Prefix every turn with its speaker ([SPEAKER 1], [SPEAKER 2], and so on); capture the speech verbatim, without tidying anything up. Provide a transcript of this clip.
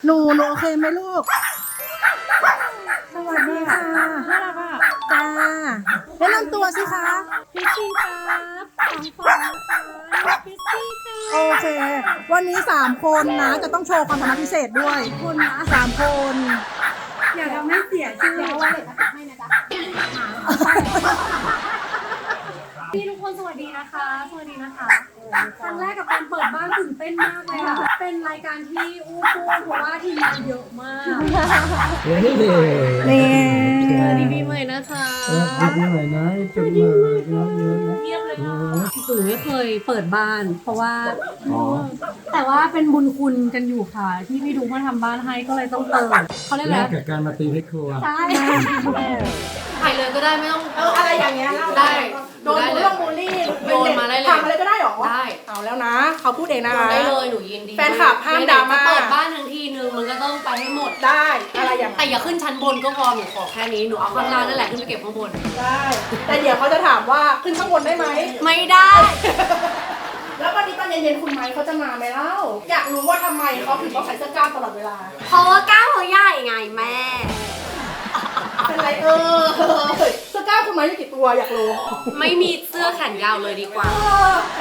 [SPEAKER 1] หนูหนูโอเคไหมลูกสวัสดีค่ะน่ารักอ่ะจ้าแนะนำตัวสิคะพิชชี่ครับสองคนนะคะพิชชี่ค่ะโอเควันนี้สามคนนะจะต้องโชว์ความสามารถพิเศษด้วยคนนะสามคนอย่าทำให้เสียชื่อว่าเลยจะให้นะจ๊ะ
[SPEAKER 2] พี่ทุกคนสวัสดีนะคะสวัสดีนะคะครั้งแรกกับการเปิดบ้านตื่นเต้นมากเลยค่ะเป็นรายการที่อู้ฟู่เพราะว่าทีมงานเยอะมาก
[SPEAKER 1] นี่
[SPEAKER 2] สวัสดีปีใหม่นะคะ
[SPEAKER 3] ดีปีใหม่นะจุ๊บเลยน้องเยอะนะ
[SPEAKER 2] เงียบเลยค่ะหนูไม่เคยเปิดบ้าน เพราะว่าแต่ว่าเป็นบุญคุณกันอยู่ค่ะ ที่พี่ดูมาทำบ้านให้ก็เลยต้องเปิดเขาเรียกอะไร
[SPEAKER 3] แลกกับการมาตีให้ครัว
[SPEAKER 2] ใช่
[SPEAKER 4] ถ่ายเลยก็ได้ไม่ต้อง
[SPEAKER 1] เอออะไรอย่างเงี้ยเล่า
[SPEAKER 4] ได้
[SPEAKER 1] โดนบูลลี่บูลลี่
[SPEAKER 4] โยนมาได้เลย
[SPEAKER 1] ทำอะไรก็ได้หรอ
[SPEAKER 4] ได้
[SPEAKER 1] เอาแล้วนะเขาพูดเองนะ
[SPEAKER 4] โยนได้เลยหนูยินดี
[SPEAKER 1] แฟนคลับห้ามดราม่า
[SPEAKER 4] ไหนๆจะเปิดบ้านทั้งทีนึงมันก็ต้องไปให้หมด
[SPEAKER 1] ได้อะไรอย่าง
[SPEAKER 4] แต่อย่าขึ้นชั้นบนก็พอหนูขอแค่นี้หนูเอาข้างล่างนั่นแหละขึ้นไปเก็บข้างบน
[SPEAKER 1] ได้แต่เดี๋ยวเขาจะถามว่าขึ้นข้างบนได้ไหม
[SPEAKER 4] ไม่ได้
[SPEAKER 1] แล้ววันนี้ตอนเย็นๆคุณไม้เขาจะมาไหมเล่าอยากรู้ว่าทำไมเขาถึงต้องใส่เสื้อกล้ามตลอดเวลา
[SPEAKER 4] เพราะว่าก้าวเขาใหญ่ไงแม่
[SPEAKER 1] เป็นไรเออเสื้อกล้ามคุณไม้มีกี่ตัวอยากรู้
[SPEAKER 4] ไม่มีเสื้อแขนยาวเลยดีกว่า
[SPEAKER 1] เออ